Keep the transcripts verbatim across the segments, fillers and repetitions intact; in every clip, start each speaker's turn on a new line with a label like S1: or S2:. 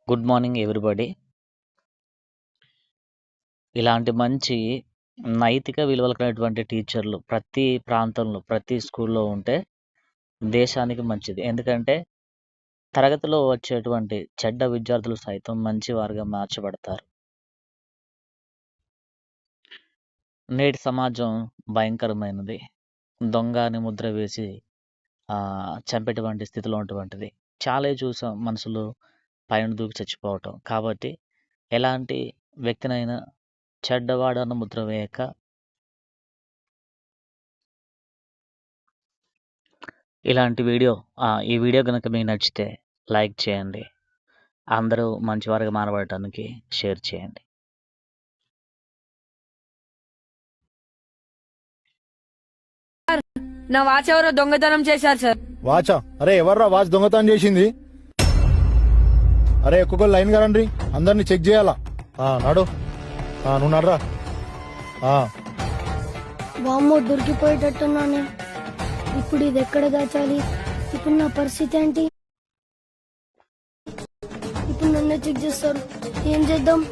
S1: Good morning everybody. ఇలాంటి మంచి నైతిక విలువలు కలిగినటువంటి టీచర్లు ప్రతి ప్రాంతంలో, ప్రతి స్కూల్లో ఉంటే దేశానికి మంచిది. ఎందుకంటే తరగతిలో వచ్చేటువంటి చెడ్డ విద్యార్థులు సైతం మంచి వారుగా మార్చబడతారు. నేటి సమాజం భయంకరమైనది. దొంగ అని ముద్ర వేసి ఆ చంపేటువంటి స్థితిలో ఉన్నటువంటిది. చాలా చూసాం, మనుషులు పైన దూకి చచ్చిపోవటం. కాబట్టి ఎలాంటి వ్యక్తినైనా చెడ్డవాడన్న ముద్ర వేయక ఇలాంటి వీడియో ఈ వీడియో కనుక మీకు నచ్చితే లైక్ చేయండి. అందరూ మంచివారుగా మారబడటానికి షేర్ చేయండి.
S2: నా వాచ్ ఎవరో దొంగతనం చేశారు సార్.
S3: వాచా? అరే ఎవర్రా వాచ్ దొంగతనం చేసింది? అరే ఒక్కొక్కరు లైన్ కారండి, అందరిని చెక్ చేయాలా. నాడు నువ్వు నడరా.
S4: వామ్మో, దొరికిపోయేటట్టున్నాను. ఇప్పుడు ఇది ఎక్కడ దాచాలి? ఇప్పుడు నా పరిస్థితి ఏంటి? ఇప్పుడు నన్నే చెక్ చేస్తారు, ఏం చేద్దాం?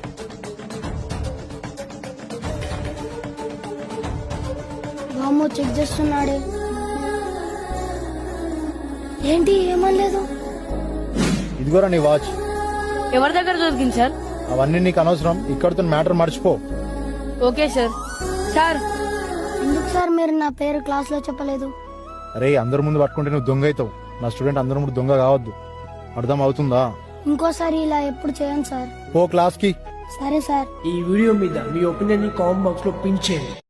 S4: వామ్మో, చెక్ చేస్తున్నాడే. ఏంటి ఏమనలేదు?
S3: ఇదిగోరా నీ వాచ్.
S2: ఎవరి దగ్గర దొరికింది సార్?
S3: అవన్నీ నీకు అనవసరం, ఇక్కడితో మ్యాటర్ మర్చిపో.
S2: Okay sir. సార్
S4: ఎందుకు సార్ మీరు నా పేరు క్లాస్ లో చెప్పలేదు?
S3: అరే అందరి ముందు పట్టుకుంటే నువ్వు దొంగ అవుతావు. నా స్టూడెంట్ అందరి ముందు దొంగ కావద్దు, అర్థం అవుతుందా?
S4: ఇంకోసారి ఇలా ఎప్పుడు చేయండి సార్.
S3: పో క్లాస్ కి.
S4: సరే సార్.
S5: ఈ వీడియో మీద మీ ఒపీనియన్ ని కామెంట్ బాక్స్ లో పిన్ చేయండి.